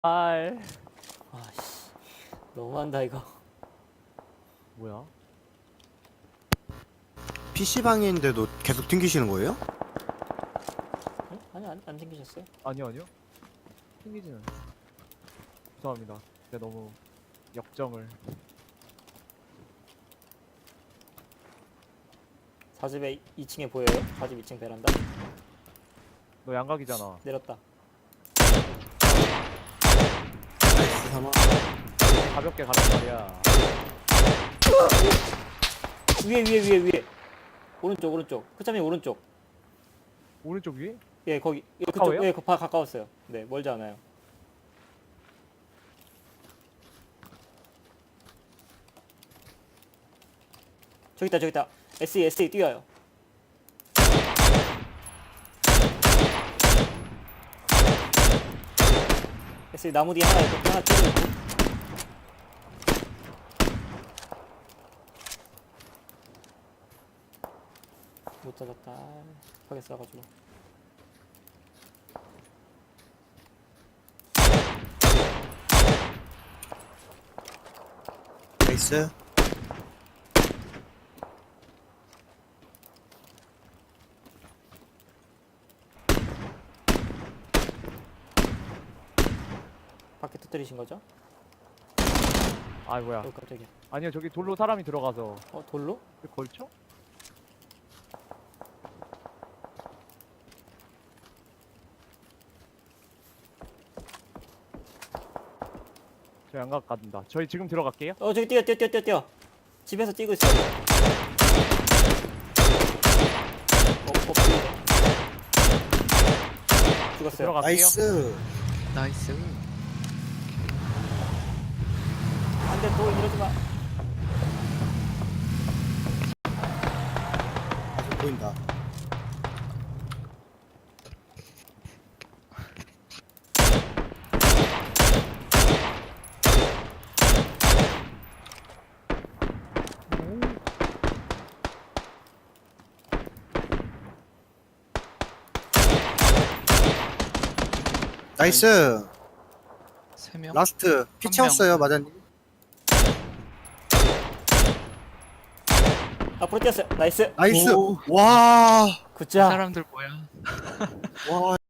알. 아씨 너무한다 이거. 뭐야? PC방에 있는데도 계속 튕기시는 거예요? 응? 아니 안 생기셨어요? 아니요, 아니요. 튕기지는. 죄송합니다. 제가 너무 역정을. 4집에 2층에 보여요? 4집 2층 베란다 너 양각이잖아. 내렸다. 나이스 삼아. 가볍게 가란 말이야. 위에 오른쪽 크차님 오른쪽. 오른쪽 위에? 예 거기 예, 가까워요? 그쪽 예 가까웠어요. 네 멀지 않아요. 저기 있다 SE 뛰어요. SE 나무 뒤에 하나 뛰고 있고. 못 찾았다. 급하게 싸가지고. 나이스. 밖에 터뜨리신 거죠? 아, 뭐야. 깜짝이야. 아니요, 저기 돌로 사람이 들어가서. 돌로? 여기 걸쳐? 저 양각 간다. 저희 지금 들어갈게요. 저기 뛰어. 집에서 뛰고 있어요. 죽었어요. 들어갈게요. 나이스. 나이스. 안돼 또 이러지 마. 아직 보인다. 나이스. 3명? 라스트 피 한 채웠어요 명. 마자님. 앞으로 뛰었어요. 나이스. 나이스. 오. 와. 굿자. 사람들 뭐야? 와.